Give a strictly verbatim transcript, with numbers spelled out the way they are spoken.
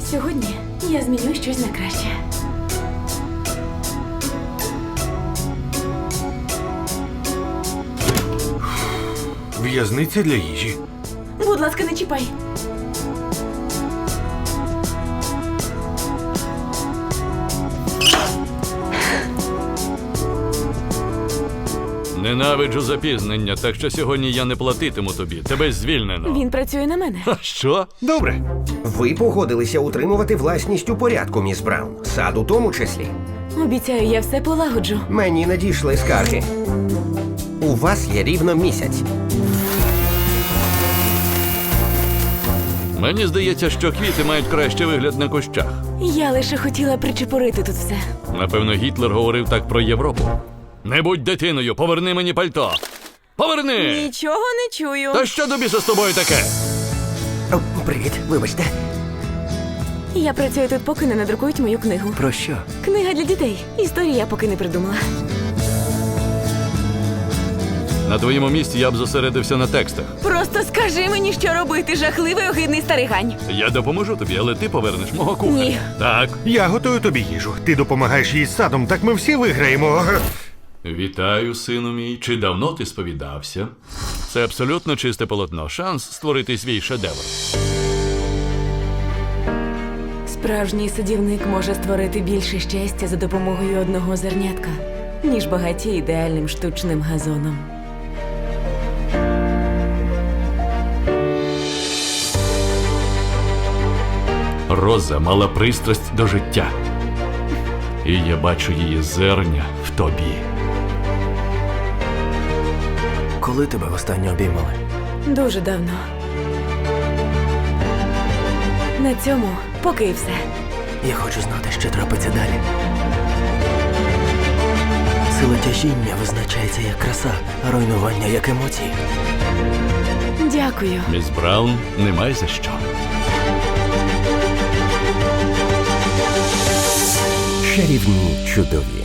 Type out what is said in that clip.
Сьогодні я зміню щось на краще. В'язниця для їжі. Будь ласка, не чіпай. Ненавиджу запізнення, так що сьогодні я не платитиму тобі. Тебе звільнено. Він працює на мене. А що? Добре. Ви погодилися утримувати власність у порядку, міс Браун. Сад у тому числі. Обіцяю, я все полагоджу. Мені надійшли скарги. У вас є рівно місяць. Мені здається, що квіти мають кращий вигляд на кущах. Я лише хотіла причепурити тут все. Напевно, Гітлер говорив так про Європу. Не будь дитиною, поверни мені пальто. Поверни! Нічого не чую. Та що тобі з тобою таке? О, привіт, вибачте. Я працюю тут, поки не надрукують мою книгу. Про що? Книга для дітей. Історії я поки не придумала. На твоєму місці я б зосередився на текстах. Просто скажи мені, що робити, жахливий огидний старий гань. Я допоможу тобі, але ти повернеш мого кухаря. Ні. Так. Я готую тобі їжу. Ти допомагаєш їй з садом, так ми всі виграємо. Вітаю, сину мій. Чи давно ти сповідався? Це абсолютно чисте полотно. Шанс створити свій шедевр. Справжній садівник може створити більше щастя за допомогою одного зернятка, ніж багаті ідеальним штучним газоном. Роза мала пристрасть до життя. І я бачу її зерня в тобі. Коли тебе востаннє обіймали? Дуже давно. На цьому поки і все. Я хочу знати, що трапиться далі. Сила тяжіння визначається як краса, а руйнування як емоції. Дякую. Міс Браун, немає за що. Чарівні чудові.